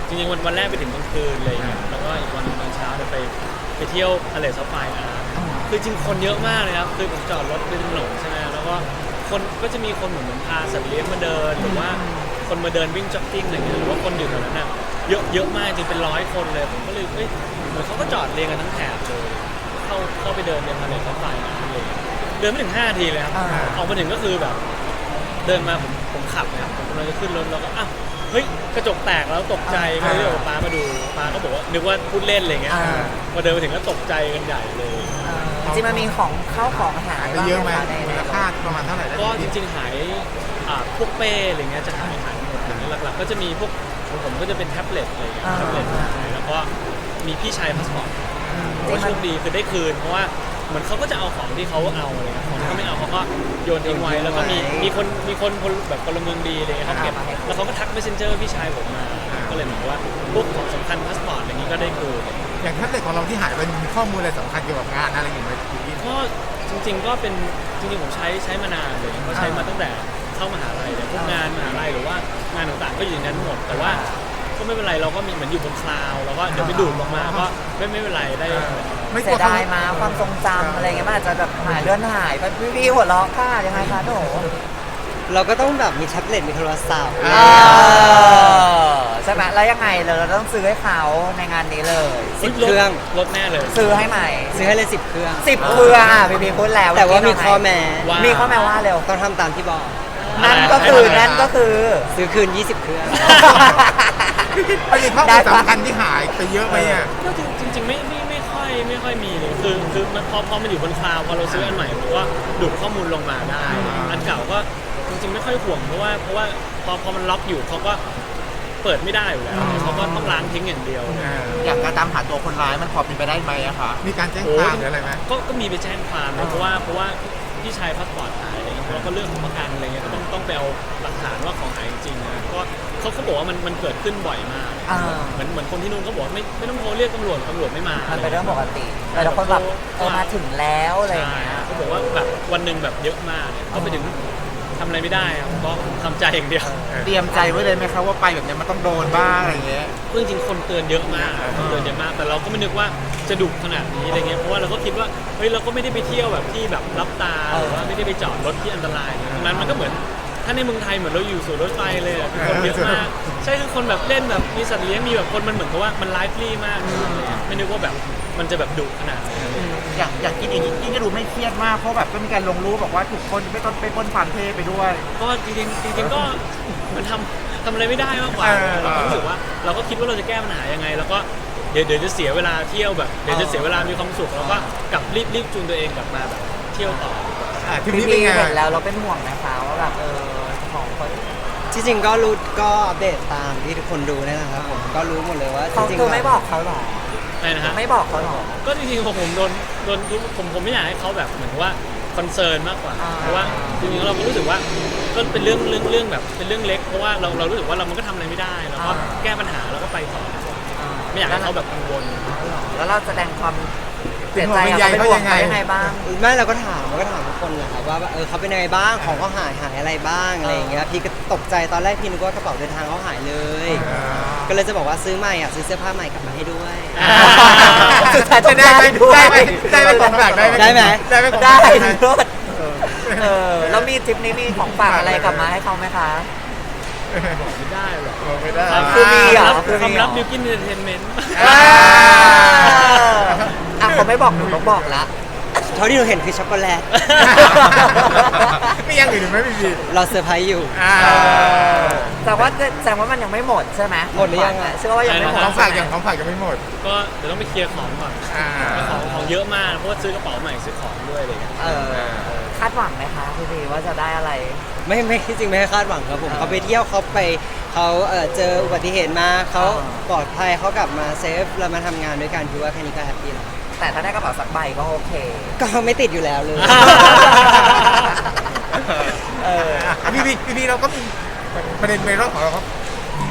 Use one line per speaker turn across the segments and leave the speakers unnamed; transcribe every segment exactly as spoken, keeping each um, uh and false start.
จริงๆวันวันแรกไปถึงกลางคืนเลยแล้วก็อีกวันตอนเช้าจะไปไปเที่ยวทะเลซับไฟอาร์คือจริงคนเยอะมากเลยครับคือผมจอดรถไปถนนใช่ไหมแล้วก็คนก็จะมีคนเหมือนเหมือนพาสัตว์เลี้ยงมาเดินหรือว่าคนมาเดินวิ่งจ็อกกิ้งอะไรเงี้ยหรือว่าคนอยู่แถวนั้นน่ะเยอะเยอะมากจริงเป็นร้อยคนเลยผมก็เลยเอ้ยเหมือนเขาก็จอดเรียงกันทั้งแถบเลยเข้าเข้าไปเดินในทะเลซับไฟอาร์เลยเดินไม่ถึงห้านาทีเลยครับออกมาถึงก็คือแบบเดินมาผมผมขับนะครับผมกำลังจะขึ้นรถแล้วก็อ้าวเฮ้ยกระจกแตกแล้วตกใจก็เลยบอกป้ามาดูป้าก็บอกว่านึกว่าพูดเล่นอะไรเงี้ยพอเดินมาถึงก็ตกใจกันใหญ่เลย
จริงๆมันมีของเข้าของหาย
เยอะไหม
ใน
มูลค่าประมาณเท่าไหร่
ก็จริงๆหายพวกเป้อะไรเงี้ยจะหายหายหมดอย่างนี้หลักๆก็จะมีพวกของผมก็จะเป็นแท็บเล็ตอะไรเงี้ยแท็บเล็ตแล้วก็มีพี่ชายพาสปอร์ตว่าโชคดีคือได้คืนเพราะว่าเหมือนเขาก็จะเอาของที่เขาเอาอะไรเงี้ยของที่เขาไม่เอาเขาก็โยนทิ้งไว้แล้วก็มีมีคนมีคนแบบพลเมืองดีอะไรเงี้ยเขาเก็บแล้วเขาก็ทัก messenger พี่ชายผมมาก็เลยเหมือนว่าพวกของสำคัญพาสปอร์ตอะไรนี้ก็ได้คืน
อย่างแท็บเล็ตของเราที่หายไปมีข้อมูลอะไรสำคัญเกี่ยวกับงานอะไรอย่างเงี้ย
ก็จริงๆก็เป็นจริงๆผมใช้ใช้มานานเลยก็ใช้มาตั้งแต่เข้ามหาลัยเลยพวกงานมหาลัยหรือว่างานต่างๆก็อยู่ในนั้นหมดแต่ว่าก็ไม่เป็นไรเราก็มีเหมือนอยู่บนคลาวแล้วก็เดี๋ยวไปดูดลงมาก็ไม่ไม่เป็นไรได้
ไม่เสียดายมาความทรงจำอะไรเงี้ยมันอาจจะแบบหายเลื่อนหายไปพี่ๆหัวเราะค่ะยังไงคะหนู
เราก็ต้องแบบมีแท็บเล็ตมีโทรศัพท์
ใช่ไหมแล้วยังไงเราต้องซื้อให้เขาในงานนี้เลย
สิบเครื่อง
ลดแน่เลย
ซื้อให้ใหม่
ซื้อให้เลยสิบเครื่อง
สิบเครื่องอ่ะพี่พีพูดแล้ว
แต่ว่ามีข้อแม้
มีข้อแม้ว่าเร็ว
ต้องทำตามที่บอก
นั่นก็คือนั่นก็คือ
ซื้อคืนยี่สิบเครื่อง
ไม่มีข้อมูลสำคัญที่หายไปเยอะไหมอ่ะ
ก็จริงๆไม่ไม่ไม่ค่อยไม่ค่อยมีเลยคือคือพอพอมันอยู่บนคลาวพอเราซื้ออันใหม่ผมว่าดูดข้อมูลลงมาได้อันเก่าก็จริงๆไม่ค่อยห่วงเพราะว่าเพราะว่าพอพอมันล็อกอยู่เขาก็เปิดไม่ได้อยู่แล้วเขาก็ต้องล้างทิ้งอย่างเดียว
อย่างการตามหาตัวคนร้ายมันพอเป็นไปได้ไหมอะคะ
มีการแจ้งความหรืออะไรไหม
ก็ก็มีไปแจ้งความนะเพราะว่าเพราะว่าพี่ชายพาสปอร์ตหายอะไรเงี้ยแล้วก็เรื่องของประกันอะไรเงี้ยก็ต้องต้องไปเอาหลักฐานว่าของหายจริงๆนะก็เขาเขาบอกว่ามันมันเกิดขึ้นบ่อยมากเหมือนเหมือนคนที่นู่นเขาบอกไม่ไม่ต้องโทรเรียกตำรวจตำรวจไม่มา
มันเป็นเรื่องปกติแต่ละคนแบบเออมาถึงแล้วอะไรเงี้ย
เขาบอกว่าแบบวันหนึ่งแบบเยอะมากก็ไปถึงทำอะไรไม่ได้ครับก็ทำใจอย่างเดียว
เตรียมใจไว้เลยไหมครับว่าไปแบบนี้มันต้องโดนบ้างอะไรเงี้ย
จริงๆคนเตือนเยอะมากคนเตือนเยอะมากแต่เราก็ไม่นึกว่าจะดุขนาดนี้อะไรเงี้ยเพราะว่าเราก็คิดว่าเฮ้ยเราก็ไม่ได้ไปเที่ยวแบบที่แบบรับตาหรือว่าไม่ได้ไปจอดรถที่อันตรายตรงนั้นมันก็เหมือนถ้าในเมืองไทยเหมือนเราอยู่สู่รถไฟเลยอ่ะคนเยอะมากใช่คือคนแบบเล่นแบบมีสัตว์เลี้ยงมีแบบคนมันเหมือนกับว่ามันไลฟ์ฟรีมากไม่นึกว่าแบบมันจะแบบดุขนาดนี้
อย่างอย่างกินเองกินก็ดูไม่เครียดมากเพราะแบบก็มีการลงรูปบอกว่าถูกคนไปต้นไปปนผ่านเทไปด้วย
ก็จริงจริงก็มันทำทำอะไรไม่ได้มากกว่าเราก็รู้สึกว่าเราก็คิดว่าเราจะแก้ปัญหายังไงแล้วก็เดี๋ยวเดี๋ยวจะเสียเวลาเที่ยวแบบเดี๋ยวจะเสียเวลามีความสุขแล้วก็กลับรีบรีบจูนตัวเองกลับมาแบบเที่ยวต่อ
ทีนี้เป็นไงเห็นแล้วเราเป็นห่วงนะคะว่าแบบเออของคน
ที่จริงก็รู้ก็อัปเดตตามที่ทุกคนดูนี่แหละครับผมก็รู้หมดเลยว่า
จริงๆไม่บอกเขาหรอ
อะไรนะฮะ
ไม่บอกเขาหรอ
ก็จริงๆผมโดนโดนผมผมไม่อยากให้เขาแบบเหมือนว่าคอนเซิร์นมากกว่าเพราะว่าจริงๆเราก็รู้สึกว่าก็เป็นเรื่องเรื่องเรื่องแบบเป็นเรื่องเล็กเพราะว่าเราเรารู้สึกว่าเรามันก็ทำอะไรไม่ได้แล้วก็แก้ปัญหาแล้วก็ไปต่อไม่อยากให้เขาแบบกังวล
แล้วเราแสดงความเสียใจเขาเป็นยังไงบ้าง
ไม่เราก็ถามเราก็ถามทุกคนนะครับว่าเออเขาเป็นยังไงบ้างของเขาหายหายอะไรบ้างอะไรอย่างเงี้ยพี่ก็ตกใจตอนแรกพี่นึกว่ากระเป๋าเดินทางเขาหายเลยก็เลยจะบอกว่าซื้อใหม่อ่ะซื้อเสื้อผ้าใหม่กลับมาให้ด้วย
สุดท้ายจะได้ไหม
ได้ไหมได้ไหมของฝากได้ไหม
ได้ไหม
ได้ไหม
ได้เออแล้วมีทริปนี้มีของฝากอะไรกลับมาให้เขาไหมคะ
ไม่ได้หรอก
ไม่ได้
คือมีเหรอ
คือความลับมิวกินเอนเตอร์เทนเมนต์
อ่ะเขาไม่บอกหนูต้องบอกละ
เท่าที่เราเห็นคือช็อกโกแลต
ไม่ยังอื่นไหมพี่พี
เราเซอร์ไพรส์อยู่
แต่ว่าแสดงว่ามันยังไม่หมดใช่ไหม
หมดหรือยัง
เชื่อว่ายังไม่หมด
ของฝากอย่างของฝากยังไม่หมด
ก็เดี๋ยวต้องไปเคลียร์ของก่อนของของเยอะมากเพราะว่าซื้อกระเป๋าใหม่ซื้อของด้วยอะไรอย่างเงี้ย
คาดหวังไหมคะพี่พีว่าจะได้อะไร
ไม่ไม่จริงไม่คาดหวังครับผมเขาไปเที่ยวเขาไปเขาเออเจออุบัติเหตุมาเขาปลอดภัยเขากลับมาเซฟเรามาทำงานด้วยกันคือว่าแค่นี้ก็แฮปปี้แล้ว
แต่ถ้าได้กระเป๋าสักใบก็โอเค
ก็ไม่ติดอยู่แล้วเลย
เออพี่พี่พี่เราก็มีประเด็นในรอบของเราครับ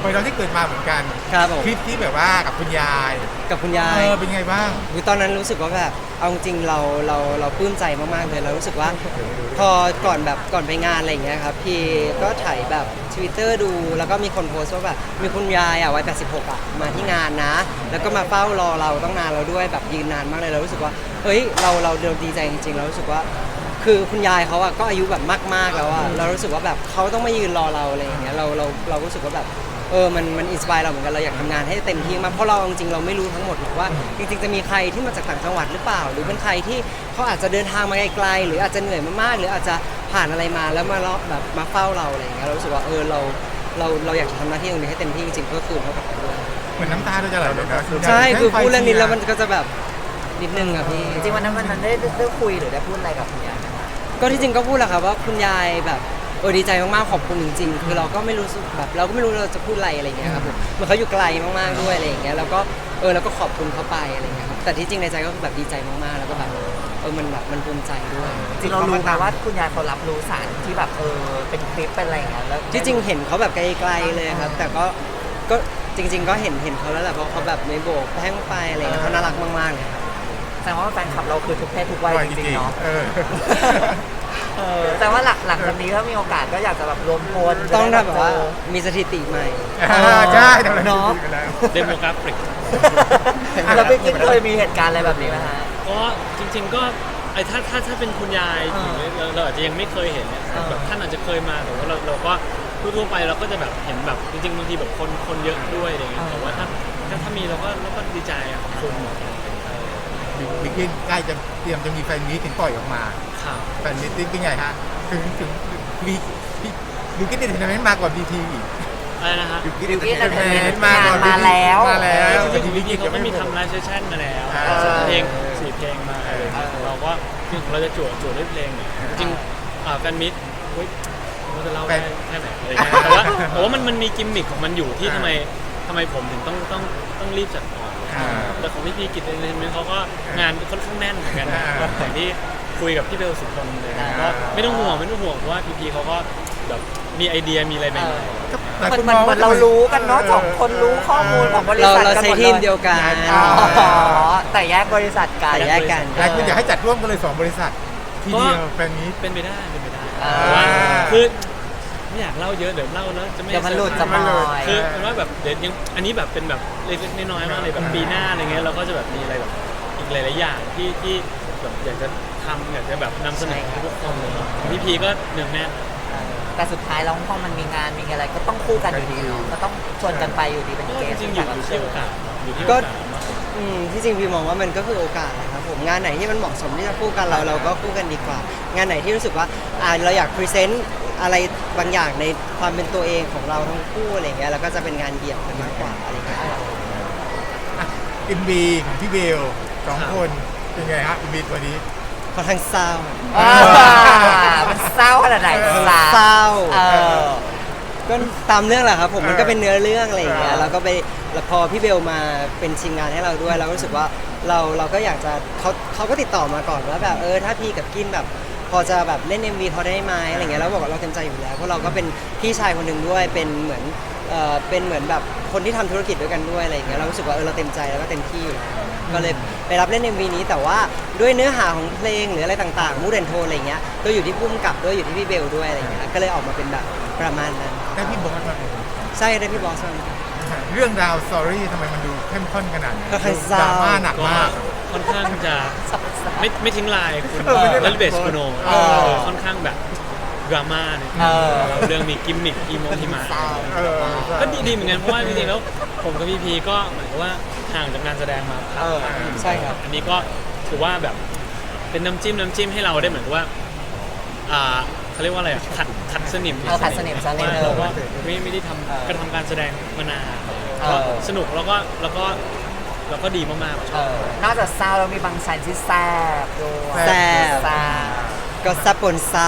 วัยเราที่เกิดมาเหมือนกัน
ครับผม
คลิปที่แบบว่ากับคุณยาย
กับคุณยา
เอย อเป็นไงบ้าง
คือตอนนั้นรู้สึกว่าแบบเอาจริงๆเราเราเราปลื้มใจมากๆเลยเรารู้สึกว่า พอก่อนแบบก่อนไปงานอะไรอย่างเงี้ยครับพี่ก็ถ่ายแบบ Twitter ดูแล้วก็มีคนโพสต์ว่าแบบมีคุณยายอ่ะวัยแปดสิบหกอ่ะมาที่งานนะ แล้วก็มาเฝ้ารอเราต้องนานเราด้วยแบบยืนนานมากเลยเรารู้สึกว่าเฮ้ยเราเราเราดีใจจริงๆเรารู้สึกว่า คือคุณยายเขาอ่ะก็อายุแบบมากๆแล้วอ่ะเรารู้สึกว่าแบบเขาต้องมายืนรอเราอะไรอย่างเงี้ยเราเราเรารู้สึกว่าแบบเออมันมันอินสปายเราเหมือนกันเราอยากทำงานให้เต็มที่มากเพราะเราจริงๆเราไม่รู้ทั้งหมดหรอกว่าจริงๆจะมีใครที่มาจากต่างจังหวัดหรือเปล่า หรือเป็นใครที่เขาอาจจะเดินทางมาไกลๆหรืออาจจะเหนื่อยมากๆหรืออาจจะผ่านอะไรมาแล้วมาเลาะแบบมาเฝ้าเราอะไรอย่างเงี้ยเรารู้สึกว่าเออเราเราเราอยากจะทำหน้าที่ตรงนี้ให้เต็มที่จริงๆก็คือเขากับเขาด้วย
เหมือนน้ำตาเราจะไหลเลยนะณยาย
ใช่คือพูด
ให้ไฟ
เรื่องนี้แล้วมันก็จะแบบนิดนึงอะพี่
จริงๆวันนั้นวันนั้นได้ได้คุยหรือได้พูดอะไรกับคุณยายไหมคะ
ก็ที่จริงก็พูดแหละครับว่าคุณยายแบบเออดีใจมากๆขอบคุณจริงๆคือเราก็ไม่รู้สึกแบบเราก็ไม่รู้เราจะพูดอะไรอะไรอย่างเงี้ยครับผมเหมือนเขาอยู่ไกลมากๆด้วยอะไรอย่างเงี้ยแล้วก็เออแล้วก็ขอบคุณเขาไปอะไรอย่างเงี้ยครับแต่ที่จริงในใจก็คือแบบดีใจมากๆแล้วก็แบบเออมันแบบมันภูมิใจด้วย
จริงๆเรารู้ไหมว่าคุณยายเขารับรู้สารที่แบบเออเป็นคลิปเป็นอะไรอย่างเงี้ยแล้ว
ที่จริงเห็นเขาแบบไกลๆเลยครับแต่ก็ก็จริง ๆ ก็เห็นเห็นเขาแล้วแหละเพราะเขาแบบไม่โบกแห้งไปอะไรอย่างเงี้ยเขาน่ารักมากๆเลยครับ
แสดงว่าแฟนคลับเราคือทุกเพศทุกวัยจริงๆเนาะ
เออ
เออแต่ว่าหลักหลังจากนี้ถ้ามีโอกาสก็อยากจะแบบรวมพล
ต้องทำแบบว่ามีสถิติใหม่
อ่าใช่ทำอะไร
เนาะ
ดีกันแล้ว
เดโมกราฟิก
แล้วพี่กิ๊กเคยมีเหตุการณ์อะไรแบบนี้ไหมฮะ
ก็จริง ๆก็ไอ้ถ้าถ้าถ้าเป็นคุณยายอย่างเงี้ยเราเราอาจจะยังไม่เคยเห็นเนี่ย
อ่า
แบบท่านอาจจะเคยมาแต่ว่าเราเราก็ทั่วๆไปเราก็จะแบบเห็นแบบจริงๆบางทีแบบคนคนเยอะด้วยอะไรเงี้ยแต่ว่าถ้าถ้าถ้ามีเราก็เราก็ดีใจอะขอบคุณ
บิ๊กกินใกล้จะเตรียมจะมีแฟนมีตถึงปล่อยออกมา
ข่าว
แฟนมีตเป็นไงฮะถึงถึงมีบิ๊กกินเดนเทนเมนต์มากกว่าบีทีอีก
อะไรนะฮะ
บิ๊กกิน
Big
เด
Hit
นเทนเมนต์มากกว่า
มาแล้ว
มาแล้ว
จริงๆบิ๊กกี้เขาก็มีทำไลฟ์เซสชั่นมาแล้ว
อ่า
เพลงสี่เพลงมาอะไรอย่างเงี้ยเราก็คือเราจะจั่วจั่วด้วยเพลงเนี่ยจริงๆอ่าแฟนมิตรเฮ้ยเราจะเล่าได้แค่ไหนอะไรเงี้ยแต่ว่าแต่ว่ามันมันมีกิมมิคของมันอยู่ที่ทำไมทำไมผมถึงต้องต้องต้องรีบจัดก่อน
อ่า
แต่ของพี่พีกิจเอนเตอร์เทนเมนต์เขาก็งานค่อนข้างแน่นเหมือนกัน
อ่า
อย่างที่คุยกับพี่เบลสุพลเลย
อ่า
ก็ไม่ต้องห่วงไม่ต้องห่วงเพราะว่าพีพีเขาก็แบบมีไอเดียมีอะไรใหม่
หลาย
มัน
คน
มัน
มอง
เหมื
ว่า
อนเรารู้กันเนาะสองคนรู้ข้อมูลของบริ
เรา
ษัท
เรา
กัน
ใช้
หมด
ทีม
เล
เดี
ย
ยวกัน
อ๋อแต่แยกบริษัทกัน
แต่แยกกัน
หลายคนอยากให้จัดร่วมกันเลยสองบริษัททีเดียวแฟนมีต
ๆเป็นไปได้เป็นไปได้
อ่า
เพราะว่าคือไม่อยากเล่าเยอะเดี๋ยวเล่าแล้วจะไม่
เดี๋ยวมันหลุด
เซ
จะ
อร์ไพร
ม
ส์
อย
คือเป็นว่าแบบเดี๋ยวยังอันนี้แบบเป็นแบบเล็กๆน้อยๆมากเลยแบบปีหน้าอะไรเงี้ยเราก็จะแบบมีอะไรแบบอีกหลายๆอย่างที่ที่แบบอยากจะทำอยากจะแบบนำเสนอให้ทุกคนเลยเนาะพี่พีก็หนึ่งแน่น
แต่สุดท้ายแล้วพอมันมีงานมีอะไรก็ต้องคู่กันอยู่ดีเนาะก็ต้องชวนกันไปอยู่ดีเป็น
ก็
เก
จ
ส
ริงๆอยู่อยู่ที่โอกาสอยู่ที่โอ
ก็
กาสมากกว่า
อืมที่จริงพี่มองว่ามันก็คือโอกาสแหละครับผมงานไหนที่มันเหมาะสมที่จะคู่กันเราเราก็คู่กันดีกว่า งานไหนที่รู้สึกว่าอ่าเราอยากพรีเซนต์อะไรบางอย่างในความเป็นตัวเองของเราทั้งคู่อะไรเงี้ยแล้วก็จะเป็นงานเดี่ยวกันมากกว่าอะไรเงี้ย
เอ็มบีของพี่เบลสองคนเป็นไงฮะเอ็มบีตัวนี้
ค่อนข้างเศร้า
อ่ามันเศร้าขนาดไหน
เศร้า
เออ
ก็ตามเรื่องแหละครับผมมันก็เป็นเนื้อเรื่องอะไรอย่างเงี้ย
อ่า
แล้วก็ไปแล้วพอพี่เบลมาเป็นชิงงานให้เราด้วยเราก็รู้สึกว่าเราเราก็อยากจะเขาเขาก็ติดต่อมาก่อนว่าแบบเออถ้าพี่กับกินแบบพอจะแบบเล่น เอ็ม วีเขาได้ไหมอะไรเงี้ยแล้วบอกว่าเราเต็มใจอยู่แล้วเพราะเราก็เป็นพี่ชายคนหนึ่งด้วยเป็นเหมือนเออเป็นเหมือนแบบคนที่ทำธุรกิจด้วยกันด้วยอะไรอย่างเงี้ยเรารู้สึกว่าเออเราเต็มใจแล้วก็เต็มที่อยู่แล้วก็เลยไปรับเล่น เอ็ม วี นี้แต่ว่าด้วยเนื้อหาของเพลงหรืออะไรต่างๆมูดแอนโทนอะไรเงี้ยก็อยู่ที่พุ่มกับด้วยอยู่ที่พี่เบลด้วยอะไรเงี้ยก็เลยออกมาเป็นแบบประมาณนั้น
ได้พี่บอสมา
ใช่ได้พี่บอสมา
เรื่องราวสตอรี่ทำไมมันดูเข้มข้นขนาดนี้
ค่อนข้างเศ
ด
ร้า
ราม่าหนัก
ก็
มาก
ค่อนข้างจะไม่ไม่ทิ้งลายคุณ
เออไม่ได้
แล้วเบสคุโน
เออ
ค่อนข้างแบบดราม่าเนี่ย
เออ
เรื่องมีกิมมิคอีโมที่มา
เออ
ก็ดีดีเหมือนกันเพราะว่าจริงๆแล้วผมกับพี่พีก็เหมือนกับว่าห่างจากงานแสดงมาพัก
เออ
พักหนึ่ง
ใช่ครับ
อันนี้ก็ถือว่าแบบเป็นน้ำจิ้มน้ำจิ้มให้เราได้เหมือนกับว่าอ่าเขาเรียกว่าอะไรอ่ะขัดขัดสนิม
เออขัดสนิมสักนิดนึง
เราก็ไม่ไม่ได้ท
เออ
ำกระทำการแสดงมานาน
เออ
ก็สนุกแล้วก็แล้วก็แล้วก็ดีมากๆช
เอ
อบ
อนอกจากเศร้าแล้วมีบางชันที่แซ่บด้วย
แซ่บ
แซ่บ
ก็ซับปนเศร้า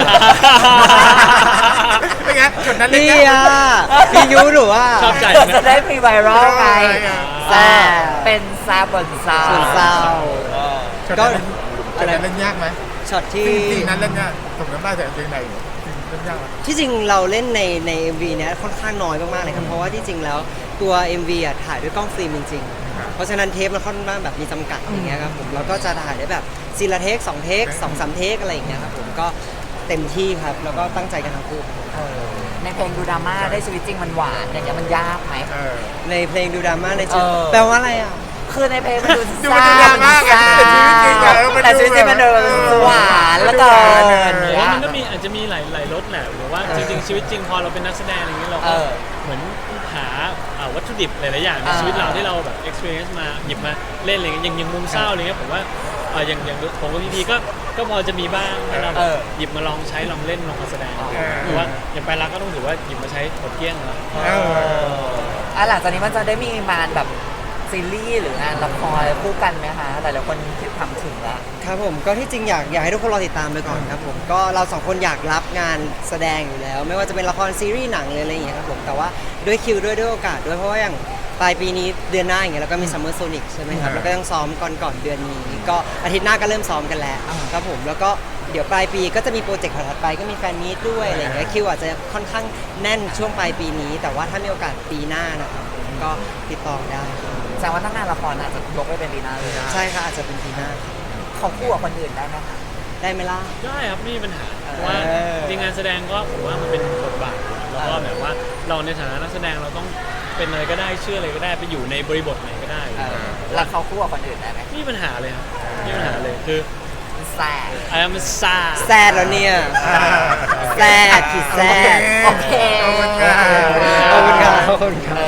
เป็นไงจุดนั้นเลย
นี่
นะ
อ่ะพี่ยุหนูอ่ะ
ชอบใจ
จะได้พรีไวรัลไง
อ่า
แซ่บเป็นแซ่บบนเศร้า
ส่วนเศร้า
จุด
ก็
นั้นจุดนั้นเล่นยากไหม
ช็อตที่
ซีนนั้นเล่นยากผมจำได้แต่เพลงไหนเรื่องยากไหม
ที่จริงเราเล่นในใน เอ็ม วี เนี้ยค่อนข้างน้อยมากๆเลยครับเพราะว่าที่จริงแล้วตัว เอ็ม วี อ่ะถ่ายด้วยกล้องฟิล์มจริงๆ เพราะฉะนั้นเทปมันค่อนข้างแบบมีจำกัดอย่างเงี้ยครับผมเราก็จะถ่ายได้แบบซีละเทคสองเทคสองสามเทคอะไรอย่างเงี้ยครับผมก็เต็มที่ครับแล้วก็ตั้งใจกันทั้งคู่ครับผม
เออในเพลงดูดราม่าได้ชีวิตจริงมันหวานอย่างเงี้ยมันยากไหม
เออ
ในเพลงดูดราม่าในชีวิต
เออ
แปลว่าอะไรอ่ะ
คือในเพลงมันดู
ดูมันดูดราม่าไงแต่ชีวิตจริงอะเออมันดู
แต่ชีวิตจริงมันดูหวานแล้วเกิน
ผมว่ามันก็มีอาจจะมีหลายหลายรสแหละหรือว่าจริงๆชีวิตจริงพอเราเป็นนักแสดงอย่างเงี้ยเรา
เอ
ก็
อ
เหมือนหาอ่าวัตถุดิบหลายๆอย่างใน
อ่า
ชีวิตเราที่เราแบบ experience มาหยิบมาเล่นอะไรเงี้ยอย่างอย่างมุมเศร้าอะไรเงี้ยผมว่าเอ่ออย่างอย่างผมกับพี่พีก็ก็พอจะมีบ้างให้เราแบ
เอบ อ
หยิบมาลองใช้ลองเล่นลองมาแสดง
เออ
หรือว่าอย่างไปรักก็ต้องถือว่าหยิบมาใช้หมดเกลี้ยงแล้ว
เออ
อ่ะหลังจากนี้มันจะได้มีงานแบบซีรีส์หรืองานละครคู่กันไหมคะแต่ละคนคิดทำถึงแล้ว
ครับผมก็ที่จริงอยากอยากให้ทุกคนรอติดตามไปก่อนครับผมก็เราสองคนอยากรับงานแสดงอยู่แล้ว ไม่ว่าจะเป็นละครซีรีส์หนังเลยอะไรอย่างเงี้ยครับผมแต่ว่าด้วยคิวด้วยด้วยโอกาสด้วยเพราะว่าอย่างปลายปีนี้เดือนหน้าอย่างเงี้ยเราก็มีซัมเมอร์โซนิกใช่ไหมครับ
อืม
แล้วก็ต้องซ้อมก่อนก่อนเดือนนี้ ก็อาทิตย์หน้าก็เริ่มซ้อมกันแล้ว
อ่า
ครับผมแล้วก็เดี๋ยวปลายปีก็จะมีโปรเจกต์ถัดไปก็มีแฟนมีตด้วยอะไรอย่างเงี้ยคิวอาจจะค่อนข้างแน่นช่วงปลายปีนี้ แต่ว่าถ้ามีโอกาสปีหน้านะครับผมก็ติดต่อได้ครับ
แสดงว่าถ้างานละครอาจจะยกไปเป็นดีนาเลย
ใช่ค่ะอาจจะเป็นปีหน้า
ของคู่กับคนอื่นได้ไหมคะ
ได้ไหมล่ะ
ได้ครับไม่มีปัญหาเพราะว่า
เออ
จริงๆงานแสดงก็ผมว่ามันเป็นบทบาทแล้วก็แบบว่าเราในฐานะนักแสดงเราต้องเป็นอะไรก็ได้เชื่ออะไรก็ได้ไปอยู่ในบริบทไหนก็ได้
เออแล้วเขาคู่กับคนอื่นได้ไหม
ไม่มีปัญหาเลยครับไม่มีปัญหาเลยคือ
แซ่
I am a s a
แซดแล้วเนี่ย แซดขีดแซด
โอเค
ขอบคุณครั
ขอบคุณครับขอบคุณครับ